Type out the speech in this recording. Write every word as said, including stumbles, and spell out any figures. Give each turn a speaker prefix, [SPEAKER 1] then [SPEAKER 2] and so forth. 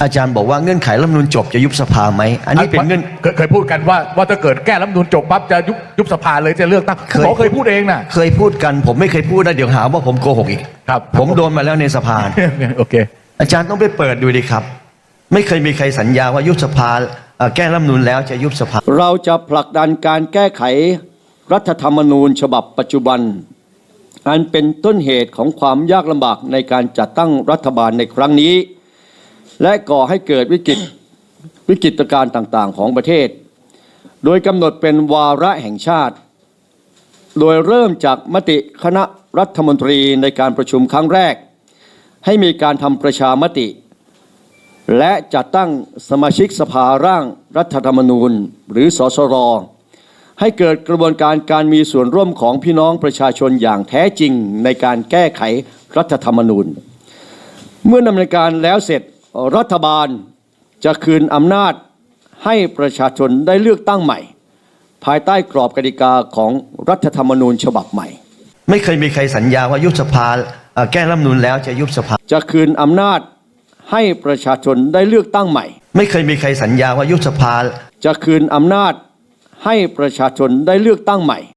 [SPEAKER 1] อาจารย์บอกว่าเงื่อนไขรัฐธรรมนูญจบจะยุบสภาไหมอันนี้เป็นเงื่อน
[SPEAKER 2] เคยเคยพูดกันว่าว่าถ้าเกิดแก้รัฐธรรมนูญจบปั๊บจะยุบยุบสภาเลยจะเลือกตั้งเคยเคยพูดเองนะ
[SPEAKER 1] เคยพูดกันผมไม่เคยพูดนะเดี๋ยวหาว่าผมโกหกอีก
[SPEAKER 2] ครับ
[SPEAKER 1] ผมโดนมาแล้วในสภา
[SPEAKER 2] โอเค
[SPEAKER 1] อาจารย์ต้องไปเปิดดูดิครับไม่เคยมีใครสัญญาว่ายุบสภาแก้รัฐธรรมนูญแล้วจะยุบสภา
[SPEAKER 3] เราจะผลักดันการแก้ไขรัฐธรรมนูญฉบับปัจจุบันอันเป็นต้นเหตุของความยากลำบากในการจัดตั้งรัฐบาลในครั้งนี้และก่อให้เกิดวิกฤตวิกฤตการณ์ต่างๆของประเทศโดยกำหนดเป็นวาระแห่งชาติโดยเริ่มจากมติคณะรัฐมนตรีในการประชุมครั้งแรกให้มีการทำประชามติและจัดตั้งสมาชิกสภาร่างรัฐธรรมนูญหรือสสรให้เกิดกระบวนการการมีส่วนร่วมของพี่น้องประชาชนอย่างแท้จริงในการแก้ไขรัฐธรรมนูญเมื่อดำเนินการแล้วเสร็จรัฐบาลจะคืนอำนาจให้ประชาชนได้เลือกตั้งใหม่ภายใต้กรอบกติกาของรัฐธรรมนูญฉบับใหม่
[SPEAKER 1] ไม่เคยมีใครสัญญาว่ายุบสภาแก้รัฐธรรมนูญแล้วจะยุบสภา
[SPEAKER 3] จะคืนอำนาจให้ประชาชนได้เลือกตั้งใหม่
[SPEAKER 1] ไม่เคยมีใครสัญญาว่ายุบสภา
[SPEAKER 3] จะคืนอำนาจให้ประชาชนได้เลือกตั้งใหม่